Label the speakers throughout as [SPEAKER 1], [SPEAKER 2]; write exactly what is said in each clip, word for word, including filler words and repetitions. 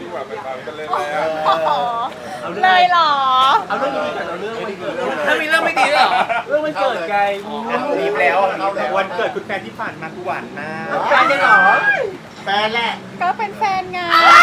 [SPEAKER 1] ที่แบบเป็นมาเป็นเล่น
[SPEAKER 2] โอ้
[SPEAKER 1] แล้ว
[SPEAKER 2] โหเลยเหรอ
[SPEAKER 3] เอาเรื่องนี้ก่อนเอาเรื่องวันเกิด
[SPEAKER 4] ถ้ามีเรื่องไม่ดีด้วยเหรอ
[SPEAKER 3] เรื่องวันเกิดไง
[SPEAKER 5] รีบแล้ววันเกิดคุณแฟนที่ผ่านมากูหวานมาก
[SPEAKER 3] แฟนได้เหรอ
[SPEAKER 5] แฟนแหละ
[SPEAKER 2] ก็เป็นแฟนไง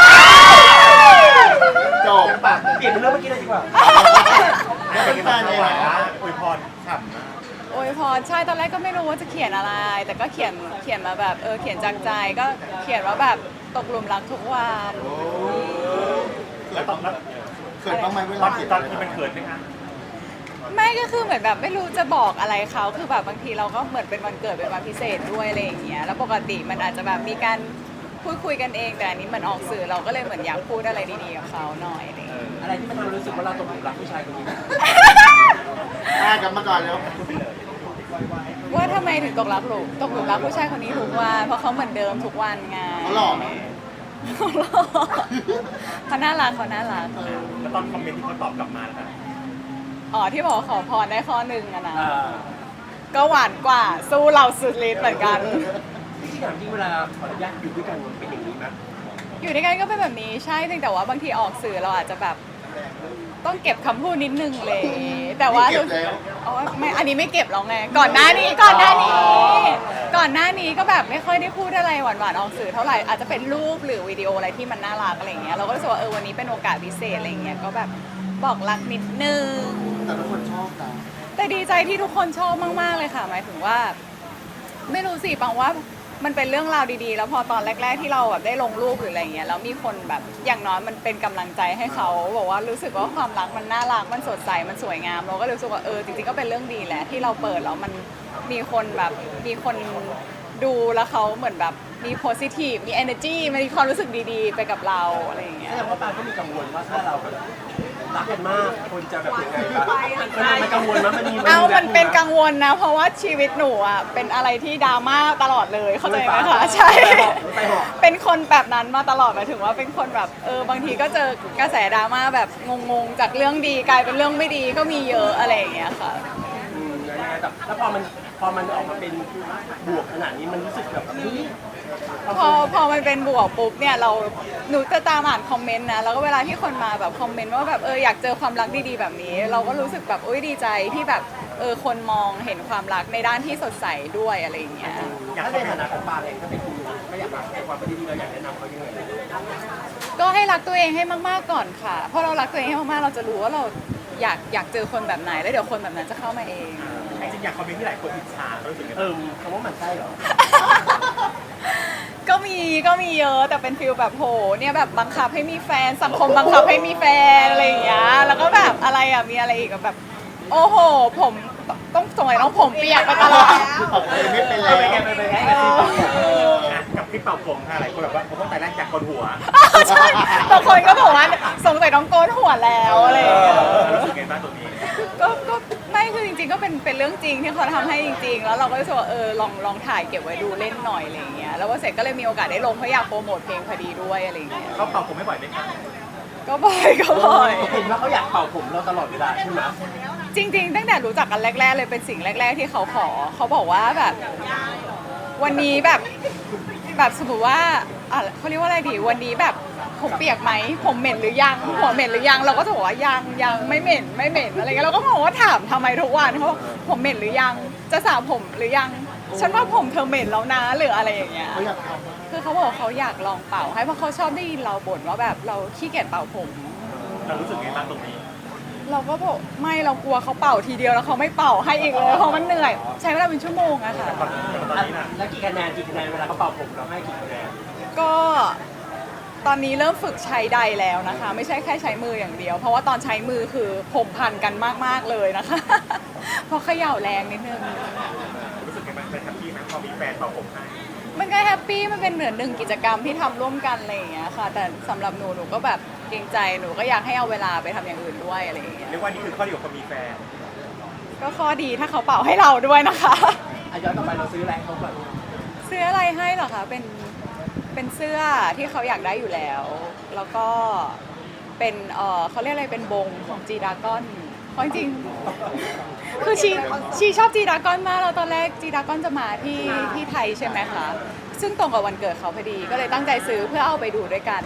[SPEAKER 5] จบปาก
[SPEAKER 3] เปลี่ยนเป็นเรื่องเมื่อกี้เลยดีกว่า
[SPEAKER 5] เป็นแฟนเลยเหรออวยพรฉ่ำมาก
[SPEAKER 2] โอ้ยพรใช่ตอนแรกก็ไม่รู้ว่าจะเขียนอะไร แต่ก็เขียนเขียนมาแบบเออเขียนจากใจก็เขียนว่าแบบตกหลุมรักทุกวัน
[SPEAKER 5] แล้วตอนนั้นเขินบ้างไหมเวลาเขียนตอนที่มันเขินไหมคะ
[SPEAKER 2] ไม่ก็คือเหมือนแบบไม่รู้จะบอกอะไรเขาคือแบบบางทีเราก็เหมือนเป็นวันเกิดเป็นวันพิเศษด้วยอะไรอย่างเงี้ยแล้วปกติมันอาจจะแบบมีการพูดคุยกันเองแต่อันนี้มันออกสื่อเราก็เลยเหมือนอยากพูดอะไรดีๆกับเขาหน่อยอะไรอย่างเงี้ย
[SPEAKER 3] อะไรที่มันทำให้รู้สึกว่าเราตกหลุมรักผู้ชายคนนี้
[SPEAKER 5] อ่ากลับมาก่อนแล้ว
[SPEAKER 2] ว่าทำไมถึงตกหลักหลุมตกหลุมรักผู้ชายคนนี้ทุกวันเพราะเขาเหมือนเดิมทุกวันไง
[SPEAKER 5] เขาหล่อไหม
[SPEAKER 2] เขาหล่อเขาน่ารักเขาน่ารัก
[SPEAKER 5] แล้วตอนคอมเมนต์ที่เขาตอบกลับมาล่ะ
[SPEAKER 2] อ๋อที่บอกว่าขอพรได้ข้อหนึ่งอะนะ
[SPEAKER 3] อ่า
[SPEAKER 2] ก็หวานกว่าสู้เราสุดฤทธิ์เหมือนกัน
[SPEAKER 3] ที่ถามจริงเวลาขออนุญาตอยู่ด้วยกันมันเป็นอย่างนี้ไหม
[SPEAKER 2] อยู่ด้วยกันก็เป็นแบบนี้ใช่เพียงแต่ว่าบางทีออกสื่อเราอาจจะแบบต้องเก็บคำพูดนิดนึงเลย แต่ว่า
[SPEAKER 5] เก็บแล้ว
[SPEAKER 2] อ๋อไม่อันนี้ไม่เก็บหรอกไงก่อนหน้านี้ก่อนหน้านี้ ก่อนหน้านี้ก็แบบไม่ค่อยได้พูดอะไรหวานๆออกสื่อเท่าไหร่อาจจะเป็นรูปหรือวิดีโออะไรที่มันน่ารักอะไรอย่างเงี้ยเราก็รู้สึกว่าเออวันนี้เป็นโอกาสพิเศษอะไรอย่างเงี้ยก็แบบบอกรักนิดนึง
[SPEAKER 5] แต่ทุกคนชอบนะ
[SPEAKER 2] แต่ดีใจที่ทุกคนชอบมากๆเลยค่ะหมายถึงว่า ไม่รู้สิปังว่ามันเป็นเรื่องราวดีๆ แล้วพอตอนแรก ๆที่เราแบบได้ลงรูปหรืออะไรเงี้ยแล้วมีคนแบบอย่างน้อยมันเป็นกำลังใจให้เขาบอกว่ารู้สึกว่าความรักมันน่ารักมันสดใสมันสวยงามเราก็รู้สึกว่าเออจริงๆก็เป็นเรื่องดีแหละที่เราเปิดแล้วมันมีคนแบบมีคนดูแล้วเขาเหมือนแบบมี positive มี energy มีความรู้สึกดีๆ ไปกับเราอะไรอย่างเงี้ย
[SPEAKER 3] แสดงว่าปางก็มีกังวลว่าถ้าเราแบบรักกันมากคนจะแบบยังไงบ้างมันมันกังวลมั้ยมันมี
[SPEAKER 2] เอามันเป็นกังวลนะ เพราะว่าชีวิตหนูอ่ะเป็นอะไรที่ดราม่าตลอดเลยเข้าใจไหมคะใช่ เป็นคนแบบนั้นมาตลอดหมายถึงว่าเป็นคนแบบเออบางทีก็เจอกระแสดราม่าแบบงงๆจากเรื่องดีกลายเป็นเรื่องไม่ดีก็มีเยอะอะไรอย่างเงี้ยค่ะ
[SPEAKER 3] อืมยังไงแต่แล้วพอมันพอมันออกมาเป็นบวกขนาดนี้มันรู้สึกแบบเฮ้ย
[SPEAKER 2] พอพอมันเป็นบวกปุ๊บเนี่ยเราหนูจะตามอ่านคอมเมนต์นะแล้วก็เวลาที่คนมาแบบคอมเมนต์ว่าแบบเอออยากเจอความรักดีๆแบบนี้ เราก็รู้สึกแบบอุ้ยดีใจที่แบบเออคนมองเห็นความรักในด้านที่สดใสด้วยอะไรอย่างเงี้ย
[SPEAKER 3] ถ้าในฐานะของปางเองถ้าเป็นคุณไม่อยากรักในความเป็นดีๆเราอยากแนะนำเขายังไง
[SPEAKER 2] ก็ให้รักตัวเองให้มากๆก่อนค่ะเพราะเรารักตัวเองให้มากๆเราจะรู้ว่าเราอยากอยากเจอคนแบบไหนแล้วเดี๋ยวคนแบบนั้นจะเข้ามาเอง
[SPEAKER 5] จริงๆอยากคอมเมนต์ที่หลายคนอิจฉาเขารู้สึกไง
[SPEAKER 3] เออคำว่ามันใช่เหรอ
[SPEAKER 2] ก็มีก็มีเยอะแต่เป็นฟิลแบบโหเนี่ยแบบบังคับให้มีแฟนสังคมบังคับให้มีแฟนอะไรอย่างเงี้ยแล้วก็แบบอะไรอ่ะมีอะไรอีกอะแบบ โอ้โหผมต้องสมัยต้องผมเปียกไปตลอด
[SPEAKER 5] ตอบเลยไม่เป็นแล้ว
[SPEAKER 3] ไปไงไปไงไปไง
[SPEAKER 5] กับคลิปเป่าผมค่ะหลายคนแบบว่าผมต้องแต่แรกจากคนหัว
[SPEAKER 2] ใช่บางคนก็บอกว่าสงสัยต้องโกนหัวแล้วอะไรอย่างเงี้ย
[SPEAKER 5] รู้สึกไงบ้างตรงนี้
[SPEAKER 2] ก็ก็ไม่คือจริงๆก็เป็นเป็นเรื่องจริงที่เขาทำให้จริงๆ แล้วเราก็รู้สึกว่าเออลองลองถ่ายเก็บไว้ดูเล่นหน่อยอะไรอย่างเงี้ยแล้วว่าเสร็จก็เลยมีโอกาสได้ลงเพราะอยากโปรโมทเพลงพอดีด้วยอะไรอย่างเงี้ย
[SPEAKER 5] เขาเป่าผมไม่บ่อยไหมคะ
[SPEAKER 2] ก็บ่อยก็บ่อย
[SPEAKER 3] เห็นว่าเขาอยากเป่าผมเราตลอดเวลาใช่ไหม
[SPEAKER 2] จริงๆตั้งแต่รู้จักกันแรกๆเลยเป็นสิ่งแรก ๆ ที่เขาขอเขาบอกว่าแบบวันนี้แบบแบบสมมติว่าอ่ะเขาเรียกว่าอะไรดีวันนี้แบบผมเปียกไหมผมเหม็นหรือยังหัวเหม็นหรือยังเราก็จะบอกว่ายังยังไม่เหม็นไม่เหม็นอะไรเงี้ยเราก็บอกว่าถามทำไมทุกวันเขาบอกผมเหม็นหรือยังจะสระผมหรือยังฉันว่าผมเธอเหม็นแล้วนะหรืออะไรอย่างเงี้ย
[SPEAKER 5] เขาอยากท
[SPEAKER 2] คือเขาบอกเขาอยากลองเป่าให้เพราะเขาชอบได้ยินเราบ่นว่าแบบเราขี้เกียจเป่าผม
[SPEAKER 5] ำเรารู้สึกไงบ้างตรงนี้
[SPEAKER 2] เราก็บอกไม่เรากลัวเขาเป่าทีเดียวแล้วเขาไม่เป่าให้อีกเลยเพราะมันเหนื่อย ใช้เวลาเป็นชั่วโมงอะค่ะ
[SPEAKER 5] ตอนนี้นะ
[SPEAKER 3] แล้วกี่คะแนนกี่คะแนนเวลาเขาเป่าผมเราให้กี่คะแนน
[SPEAKER 2] ก็ตอนนี้เริ่มฝึกใช้ใดแล้วนะคะ ไม่ใช่แค่ใช้มืออย่างเดียว เพราะว่าตอนใช้มือคือผมพันกันมากๆเลยนะคะ เพราะเขย่าแรงนิดนึง
[SPEAKER 5] รู้สึกไงบ้างเป็นแฮปปี้ไหมพอมีแฟนเป่าผมให้
[SPEAKER 2] มันก็แฮปปี้มันเป็นเหมือนหนึ่งกิจกรรมที่ทำร่วมกันอะไรอย่างเงี้ยค่ะ แต่สำหรับหนูหนูก็แบบเกรงใจหนูก็อยากให้เอาเวลาไปทำอย่างอื่นด้วยอะไรอย่างเงี้ย
[SPEAKER 5] เรียกว่านี่คือข้อดีของคนมีแฟน
[SPEAKER 2] ก็ข้อดีถ้าเขาเป่าให้เราด้วยนะคะ
[SPEAKER 3] อ่ะย้อนกลับไปเราซื้ออะไรให้เขาก่อน
[SPEAKER 2] ซื้ออะไรให้เหรอคะเป็นเป็นเสื้อที่เขาอยากได้อยู่แล้ว แล้วก็เป็นเออเขาเรียกอะไรเป็นบงของจีดากอนเพราะจริงๆคือชีชีชอบจีดากอนมากแล้วตอนแรกจีดากอนจะมาที่ที่ไทยใช่ไหมคะซึ่งตรงกับวันเกิดเขาพอดีก็เลยตั้งใจซื้อเพื่อเอาไปดูด้วยกัน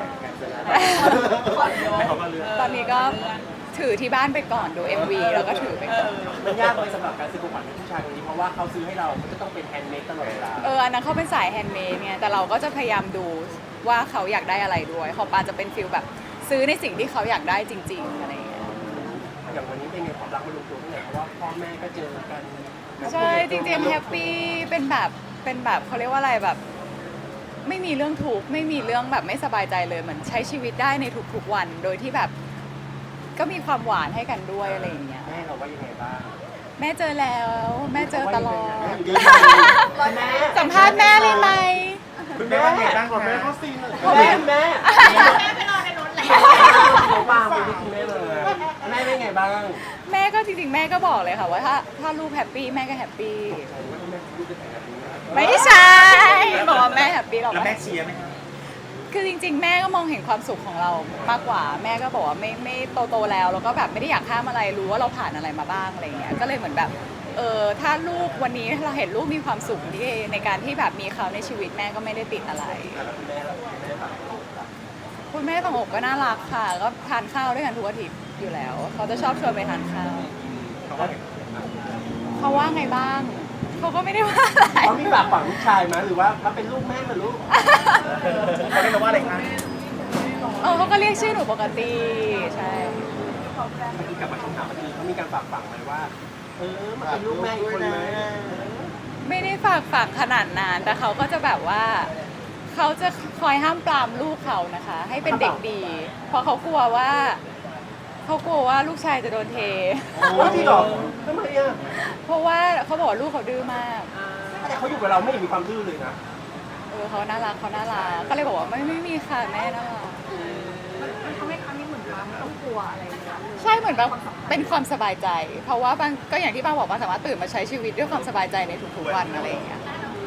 [SPEAKER 3] ไม่เขาก็เลือก
[SPEAKER 2] ตอนนี้ก็ถือที่บ้านไปก่อนดู เอ็ม วี แล้วก็ถือไปก่อน
[SPEAKER 3] มันยากไหมสำหรับการซื้อของขวัญให้ผู้ชายคนนี้เพราะว่าเขาซื้อให้เรามันจะต้องเป็นแฮนด์เมดตลอดเวลา
[SPEAKER 2] เอออันนั้นเขาเป็นสายแฮนด์เมดเนี่ยแต่เราก็จะพยายามดูว่าเขาอยากได้อะไรด้วยของปาจะเป็นฟิลแบบซื้อในสิ่งที่เขาอยากได้จริง ๆอะไรอย่างเงี้ย
[SPEAKER 3] อย่างวันนี้เป็นไงความรักมันลงตัวที่ไหนเพราะว่าพ่อแม่ก็เจอกัน
[SPEAKER 2] ใช่จริงๆแฮปปี้เป็นแบบเป็นแบบเขาเรียกว่าอะไรแบบ ไม่มีเรื่องทุกข์ไม่มีเรื่องแบบไม่สบายใจเลยเหมือนใช้ชีวิตได้ในทุกๆวัน โดยที่แบบก็มีความหวานให้กันด้วยอะไรอย่างเงี้ย
[SPEAKER 3] แม่เราว่ายังไงบ้าง
[SPEAKER 2] แม่เจอแล้ว แม่เจอตลอด
[SPEAKER 3] แม่
[SPEAKER 2] สัมภาษณ์แม่เลยไหม
[SPEAKER 3] คุณแม่ว่าไงบ้าง
[SPEAKER 5] ขอ
[SPEAKER 3] คะ
[SPEAKER 5] แม่เขาซีนเลย
[SPEAKER 3] แม่แม่แม่ไปนอนในรถแล้วเขาวางไปที่คุณแม่เลยแม่เป็นไงบ้าง
[SPEAKER 2] แม่ก็จริงๆแม่ก็บอกเลยค่ะว่าถ้าถ้าลูกแฮปปี้แม่ก็แฮปปี้ไม่ใช่บอกว่าแม่แฮปปี้หรอก
[SPEAKER 3] แล้วแม่เชียร์ไหมคะ
[SPEAKER 2] คือจริง ๆ แม่ก็มองเห็นความสุขของเรามากกว่า แม่ก็บอกว่าไม่ไม่โตโตๆแล้วแล้วก็แบบไม่ได้อยากห้ามอะไรรู้ว่าเราผ่านอะไรมาบ้างอะไรเงี้ยก็เลยเหมือนแบบเออถ้าลูกวันนี้เราเห็นลูกมีความสุขที่ในการที่แบบมีเขาในชีวิตแม่ก็ไม่ได้ติดอะไร
[SPEAKER 3] แล้วคุณแม่ล่ะคุณแม่แบบ
[SPEAKER 2] คุณแม่ฝั่งอกก็น่ารักค่ะ ก็ทานข้าวด้วยกันทุกอาทิตย์อยู่แล้ว เขาจะชอบชวนไปทานข้าว
[SPEAKER 3] เขาว่าไง
[SPEAKER 2] เขาว่าไงบ้าง เขาก็ไม่ได้ว่าอะไร
[SPEAKER 3] เขามีฝากฝังลูกชายไหมหรือว่ามาเป็นลูกแม่เหรือลูกเขาเรียกว่าอะไรคะ
[SPEAKER 2] เออเขาก็เรียกชื่อหนูปกติ ใช่
[SPEAKER 3] เมื่อกี้กลับมาคำถามเมื่อกี้เขามีการฝากฝังไหมว่า เออมาเป็นลูกแม่อีกคนไหม
[SPEAKER 2] ไม่ได้ฝากฝังขนาดนั้น แต่เขาก็จะแบบว่า เขาจะคอยห้ามปรามลูกเขานะคะ ให้เป็นเด็กดี เพราะเขากลัวว่า เขากลัวว่าลูกชายจะโดนเท
[SPEAKER 3] โอ้จริงเหรอทำไมอ่ะ
[SPEAKER 2] เพราะว่าเขาบอกว่าลูกเขาดื้อมาก
[SPEAKER 3] แต่เขาอยู่กับเราไม่เห็นมีความดื้อเลยนะ
[SPEAKER 2] เออเขาน่ารักเขาน่ารัก ก็เลยบอกว่าไม่ไม่มีค่ะแม่น่ารัก
[SPEAKER 1] มันทำให้ครั้งนี้เหมือนว่าไม่ต้องกลัวอะไรเลยนะ
[SPEAKER 2] ใช่เหมือนแบบเป็นความสบายใจ เพราะว่าบางก็อย่างที่บางบอกว่าสามารถตื่นมาใช้ชีวิตด้วยความสบายใจในทุกๆวันอะไรอย่างเงี้ย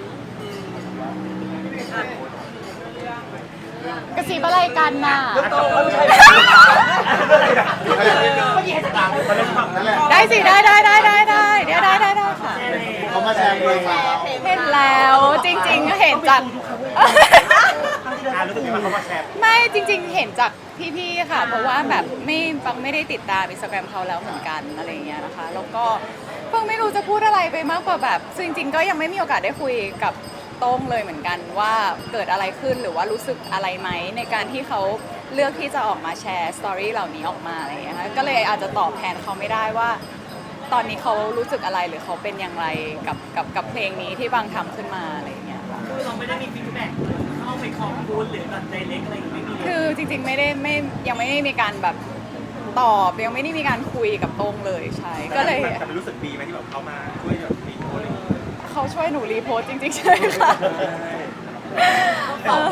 [SPEAKER 2] กระสีอะไรกันน่ะ
[SPEAKER 3] โตไม่ใช่เมื่อกี้ให้สตางค์มาเล่นฝั่ง
[SPEAKER 5] นั่นแหละ
[SPEAKER 2] ได้สิได้ได้ได้ได้ได้เดี๋ยวได้ได้ได้ค่ะ
[SPEAKER 5] เขามาแชร์เพลงเรา
[SPEAKER 2] เห็นแล้วจริงๆก็เห็นจาก
[SPEAKER 3] อ่ารู้สึกยังไงเขามาแชร์
[SPEAKER 2] ไม่จริง ๆ เห็นจากพี่ๆค่ะ เพราะว่าแบบไม่ฟังไม่ได้ติดตามอินสตาแกรมเขาแล้วเหมือนกันอะไรอย่างเงี้ยนะคะ แล้วก็เพิ่งไม่รู้จะพูดอะไรไปมากกว่าแบบซึ่งจริงๆก็ยังไม่มีโอกาสได้คุยกับโต้งเลยเหมือนกันว่าเกิดอะไรขึ้นหรือว่ารู้สึกอะไรไหมในการที่เขาเลือกที่จะออกมาแชร์สตอรี่เหล่านี้ออกมาอะไรอย่างเงี้ยค่ะก็เลยอาจจะตอบแทนเขาไม่ได้ว่า ตอนนี้เขารู้สึกอะไรหรือเขาเป็นอย่างไรกับกับกับเพลงนี้ที่บางทำขึ้นมาอะไรอย่างเงี้ยค่ะ
[SPEAKER 4] คือเราไม่ได้มีฟีดแบ็กเข้าไปคอมบูนหรือแบบใจเล็กอะไรอย่างเงี้ยไม่มีเลย
[SPEAKER 2] คือจริงๆไม่ได้ไม่ยังไม่ได้มีการแบบตอบยังไม่ได้มีการคุยกับโต้งเลยใช่ก็เลย
[SPEAKER 3] แต่รู้สึกดีไหมที่แบบเขามาช่วยแบบรีโพสต์อะไรอย่างเงี้ย
[SPEAKER 2] เขาช่วยหนูรีโพสต์จริงๆใช่ค่ะเออ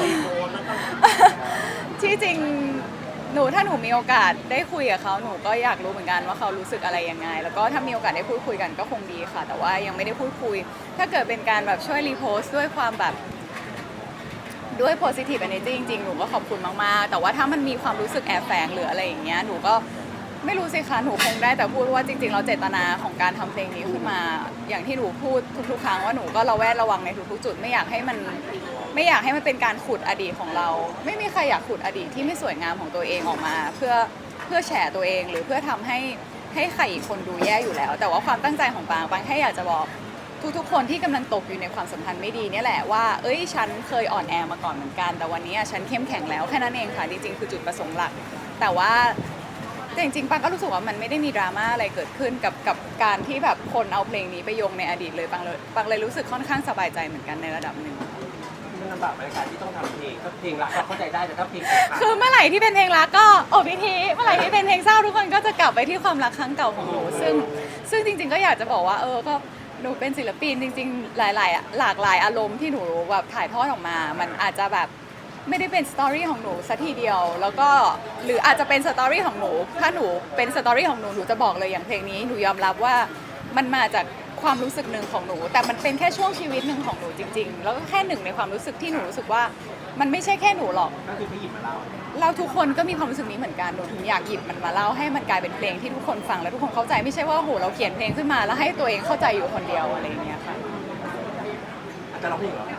[SPEAKER 2] ที่จริงหนูถ้าหนูมีโอกาสได้คุยกับเขาหนูก็อยากรู้เหมือนกันว่าเขารู้สึกอะไรยังไง แล้วก็ถ้ามีโอกาสได้พูดคุยกันก็คงดีค่ะ แต่ว่ายังไม่ได้พูดคุย ถ้าเกิดเป็นการแบบช่วยรีโพสต์ด้วยความแบบด้วย positive energy จริงๆหนูก็ขอบคุณมากๆแต่ว่าถ้ามันมีความรู้สึกแอบแฝงหรืออะไรอย่างเงี้ยหนูก็ไม่รู้สิคะหนูคงได้แต่พูดว่าจริงๆเราเจตนาของการทำเพลงนี้ขึ้นมา อย่างที่หนูพูดทุกๆครั้งว่าหนูก็ระแวดระวังในทุกๆจุดไม่อยากให้มันไม่อยากให้มันเป็นการขุดอดีตของเรา ไม่มีใครอยากขุดอดีตที่ไม่สวยงามของตัวเองออกมา เพื่อเพื่อแฉตัวเองหรือเพื่อทำให้ให้ใครอีกคนดูแย่อยู่แล้ว แต่ว่าความตั้งใจของปางปางแค่อยากจะบอกทุกๆคนที่กำลังตกอยู่ในความสัมพันธ์ไม่ดีเนี่ยแหละว่าเอ้ยฉันเคยอ่อนแอมาก่อนเหมือนกันแต่วันนี้ฉันเข้มแข็งแล้วแค่นั้นเองค่ะจริงๆคือจุดประสงค์หลักแต่ว่าแต่จริงๆปางก็รู้สึกว่ามันไม่ได้มีดราม่าอะไรเกิดขึ้นกับกับการที่แบบคนเอาเพลงนี้ไปโยงในอดีตเลยปางเลยปางเลยรู้สึกค่อนข้างสบายใจเหมือนกันในระดับหนึ่ง
[SPEAKER 3] มันลำบากในการที่ต้องทำเพลงถ้าเพลงรักเราเข้าใจได้แต่ถ้าเพลง
[SPEAKER 2] คือเมื่อไหร่ที่เป็นเพลงรักก็โอบพิธีเมื่อไหร่ที่เป็นเพลงเศร้าทุกคนก็จะกลับไปที่ความรักครั้งเก่าของหนูซึ่งซึ่งจริง ๆ ก็อยากจะบอกว่าเออก็หนูเป็นศิลปินจริง ๆ หลายๆหลากหลายอารมณ์ที่หนูแบบถ่ายทอดออกมา มันอาจจะแบบไม่ได้เป็นสตอรี่ของหนูสัทีเดียว แล้วก็หรืออาจจะเป็นสตอรี่ของหนูถ้าหนูเป็นสตอรี่ของหนูหนูจะบอกเลยอย่างเพลงนี้หนูยอมรับว่ามันมาจากความรู้สึกหนึ่งของหนู แต่มันเป็นแค่ช่วงชีวิตหนึ่งของหนูจริง ๆ แล้วก็แค่หนึ่งในความรู้สึกที่หนูรู้สึกว่ามันไม่ใช่แค่หนูหรอก
[SPEAKER 3] ก็คือไปหยิบมาเล่า
[SPEAKER 2] เราทุกคนก็มีความรู้สึกนี้เหมือนกันหนูถึงอยากหยิบมันมาเล่าให้มันกลายเป็นเพลงที่ทุกคนฟังแล้วทุกคนเข้าใจไม่ใช่ว่าโหเราเขียนเพลงขึ้นมาแล้วให้ตัวเองเข้าใจอยู่คนเดียวอะไรอย่างเงี้ยค่ะ
[SPEAKER 3] อาจจะร้องเพลงเหรอ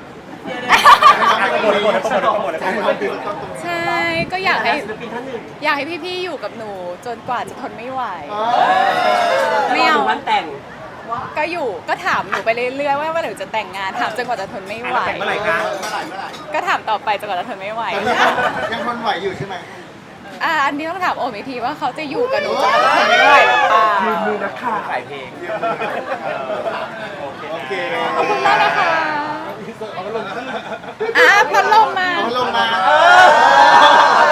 [SPEAKER 3] หมดหมดหมดหมด
[SPEAKER 5] ใช่ครับคือต้องตรง
[SPEAKER 2] ใช่ก็อยากให้
[SPEAKER 4] ศิลปินท่านหนึ่ง
[SPEAKER 2] อยากให้พี่ๆอยู่กับหนูจนกว่าจะทนไม่ไหว
[SPEAKER 3] ไม่
[SPEAKER 2] ไม่
[SPEAKER 3] เอา
[SPEAKER 2] เอา
[SPEAKER 3] วันแต่ง
[SPEAKER 2] ก็อยู่ก็ถามหนูไปเรื่อยๆว่าเมื่อไหร่จะแต่งงานถามจนกว่าจะทนไม่ไหว
[SPEAKER 3] แต่งเมื่อไหร่คะ
[SPEAKER 5] เมื่อไหร่เมื่อไหร่
[SPEAKER 2] ก็ถามต่อไปจนกว่าจะทนไม่ไหว
[SPEAKER 5] ตอนนี้ยังทนไหวอยู่ใช่ไหม
[SPEAKER 2] อ่ะอันนี้ต้องถามโอมอีกทีว่าเขาจะอยู่กับหนูจนกว่าจะทนไม่ไหวหรือเปล่า
[SPEAKER 3] ยืนมือนักข่าวขายเพลง
[SPEAKER 5] โอเค
[SPEAKER 2] ขอบคุณมากนะคะอ่ะพัดลมมา
[SPEAKER 5] เอาลงมา
[SPEAKER 3] เออ